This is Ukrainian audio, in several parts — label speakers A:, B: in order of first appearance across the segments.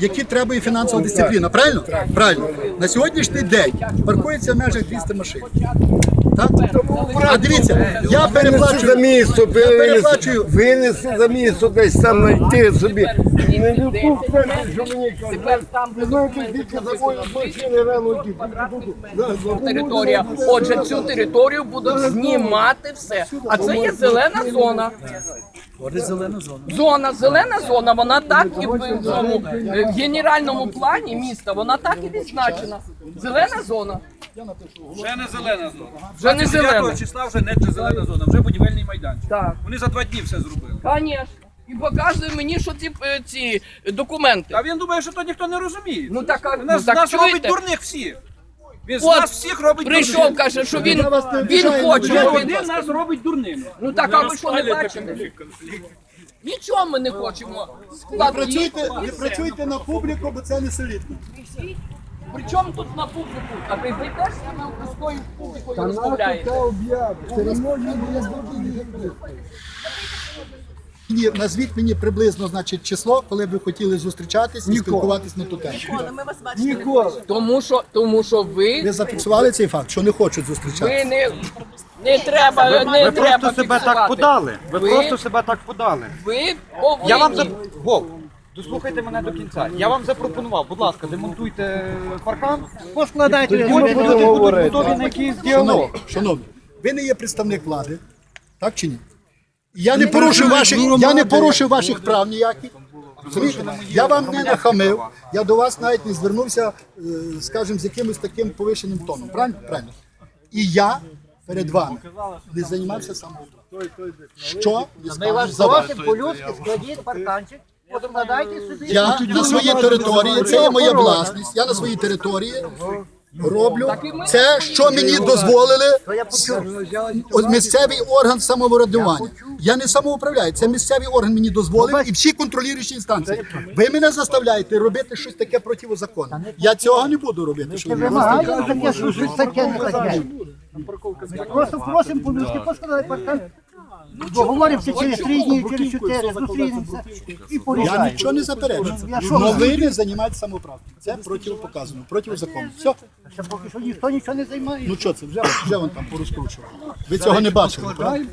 A: які требує фінансова дисципліна. Правильно? Правильно. На сьогоднішній день паркується в межах 200 машин. Так? А дивіться, я переплачую
B: за місто, винеси за місто, десь там знайти собі. Не тут, що мені кажуть. Ви знаєте, скільки заводять машини рано
C: територія. Отже, цю територію будуть знімати все. А це є зелена зона. Зелена зона, вона так і в цьому в генеральному плані міста, вона так і відзначена. Зелена зона.
D: Вже не зелена зона.
C: Вже не зелена.
D: 9 числа вже не зелена зона, вже будівельний майданчик.
C: Так.
D: Вони за 2 дні все зробили.
C: Звісно. І показує мені, що ці документи.
D: А він думає, що то ніхто не розуміє.
C: Ну так,
D: Нас робить
C: чуєте?
D: дурних всіх. Він з
C: От,
D: нас всіх робить
C: прийшов,
D: дурних.
C: каже, що він хоче.
D: Він нас робить дурними.
C: Ну так, а ви що не бачите? Нічого ми не хочемо.
A: не працюйте на публіку, бо це не солідно.
C: Причому тут на публіку? А ви теж саме з тою публікою розмовляєте?
A: Назвіть мені приблизно, значить, число, коли б ви хотіли зустрічатись і спілкуватись на ту тему.
C: Тому що ви
A: Ви зафіксували цей факт, що не хочуть зустрічатися?
C: не треба, не
E: Ви
C: треба
E: просто себе так
C: фіксувати.
E: подали. Ви просто себе так подали.
C: Ви
E: Я вам
C: повинні.
E: Вов, дослухайте мене до кінця. Я вам запропонував, будь ласка, демонтуйте паркан, поскладайте, потім люди будуть готові на якийсь діалог.
A: Шановні, ви не є представник влади, так чи ні? Я не порушив ваших прав ніяких. Я вам не нахамив, я до вас навіть не звернувся, скажімо, з якимось таким повишеним тоном. Правильно? Правильно. І я перед вами не займався самоуправством. Що не скажу за вас?
F: по-людськи, складіть парканчик, покладайте собі.
A: Я на своїй території, це є моя власність, я на своїй території роблю це, що мені дозволили місцевий орган самоврядування. Я не самоуправляю, це місцевий орган мені дозволив і всі контролюючі інстанції. Ви мене заставляєте робити щось таке протизаконне. Я цього не буду робити. Що ви
F: Вимагаємо таке, що щось таке не таке. Просто просимо по-людськи, поскладайте паркан. Договоримося через 3 дні, через 4, зустрінемося і
A: Я
F: порішаємо.
A: нічого не заперечую.
F: що
A: Але ви не займаєтеся самоуправством. Це протипоказано, протизаконно. Все.
F: Ще поки що ніхто нічого не займає.
A: Ну що це, вже вон там порозкручував. Ви цього не бачили, правильно?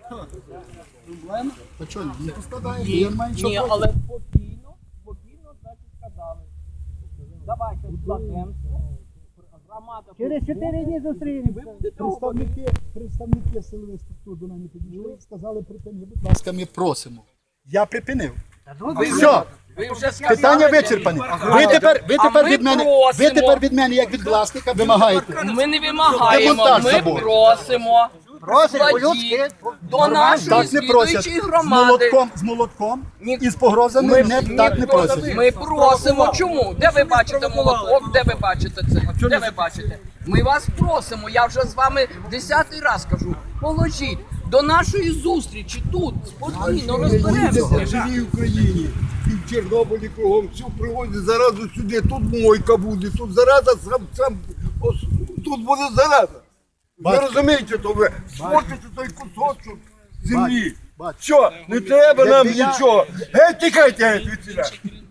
A: Та що, не поскладаєте, я не маю нічого
C: Ні,
A: проти.
C: але спокійно, значить, сказали. Давайте складемося. Громада
F: Через 4 дні зустрінемося.
A: Представники силових структур до мене підійшли, сказали припини, будь ласка, ми просимо. Я припинив. Все,
C: ви вже сказали.
A: питання вичерпане. Ви тепер від мене, як від власника, вимагаєте.
C: Ми не вимагаємо,
A: Демонтаж
C: ми
A: забору.
C: просимо.
F: Просить
C: Складіть
F: по-людськи.
C: до нашої
A: Так не просять.
C: слідуючої
A: З
C: громади.
A: молотком і з погрозами так не просять.
C: Ми просимо. Чому? Де ви бачите молоток? Де ви бачите це? Де ви бачите? Ми вас просимо. Я вже з вами 10-й раз кажу. Положіть до нашої зустрічі тут. Спокійно розберемося.
B: В живій Україні, і в Чорнобилі кругом, всю привозять заразу сюди, тут мойка буде, тут зараза, тут буде зараза. Ви розумієте, то ви смотрите той кусочок землі. Що, не треба нам нічого. Геть, тікайте геть від ціля.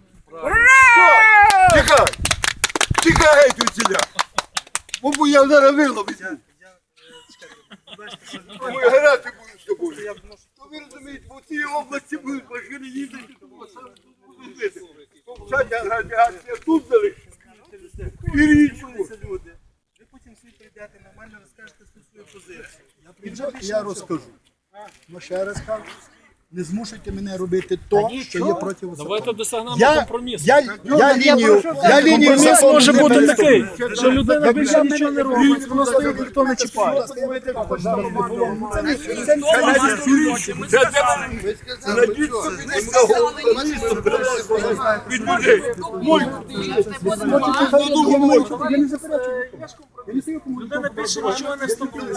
B: Тікай! Тікай геть від ціля. Бо я зараз виловлюся. Ми грати будемо з тобою. То ви розумієте, в цій області будуть машини їздити, тому саме тут будуть бити. Повчання радіація тут залишиться. І річку.
G: Ви потім всі прийдете, нормально розкажете свою позицію.
A: Я розкажу. Ну ще раз кажу. Не змушуйте мене робити то, що є протизаконно.
H: Давайте досягнемо
A: Я
H: компромісу.
A: лінію
H: Компроміс може бути такий,
A: що
H: що людина більше нічого не робить, воно стоїть, ніхто не чіпає.
B: Від людей. Мойку.
H: Людина більше нічого не вступила.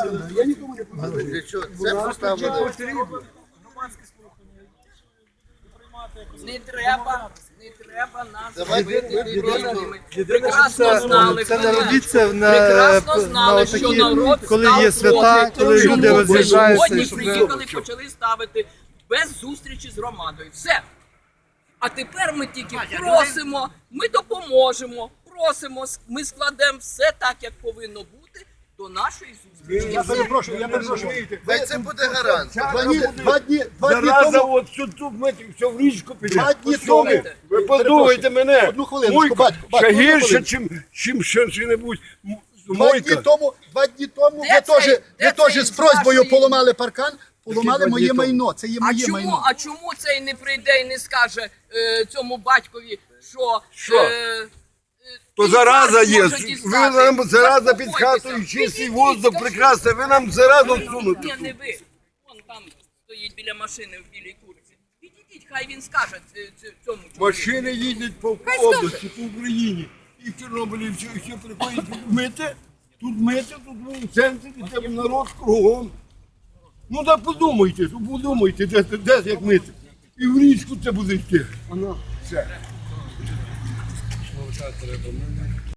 C: Не треба нас робити дебілами. Прекрасно знали, прекрасно знали, що народ
G: коли є свята, коли люди роз'їжджаються,
C: Сьогодні
G: щоб-
C: приїхали, почали ставити без зустрічі з громадою. Все. А тепер ми тільки просимо, ми допоможемо, просимо, ми складемо все так, як повинно бути до нашої зустрічі.
A: Я перепрошую.
B: Дай це буде гарантія.
A: Два дні
B: Зараза,
A: тому.
B: от що тут ми все в річку піде.
A: Два дні
B: Ви що ви?
A: тому.
B: Ви послухайте мене.
A: Одну хвилиночку,
B: Мойка
A: батько,
B: ще
A: одну
B: гірше,
A: хвилиночку.
B: чим що-небудь.
A: Два дні тому ви теж з просьбою поламали паркан, поламали моє майно. Це є моє майно.
C: А чому цей не прийде і не скаже цьому батькові, що
B: То
C: інфаркт
B: зараза є.
C: може
B: Ви
C: дістати?
B: нам зараза під
C: Заспокойтеся.
B: хатою, чистий
C: Підійдіть,
B: воздух
C: скажіть.
B: прекрасний, ви нам заразу всунете.
C: Ні, не ви. Вон там стоїть біля машини в білій курці. Підійдіть, хай він скаже цьому чоловіку.
B: Машини їздять по
C: Хай
B: області, по Україні. І в Чорнобилі всі приходять тут мити, тут в центрі, де народ кругом. Ну так подумайте, де як мити. І в річку це буде йти. Все.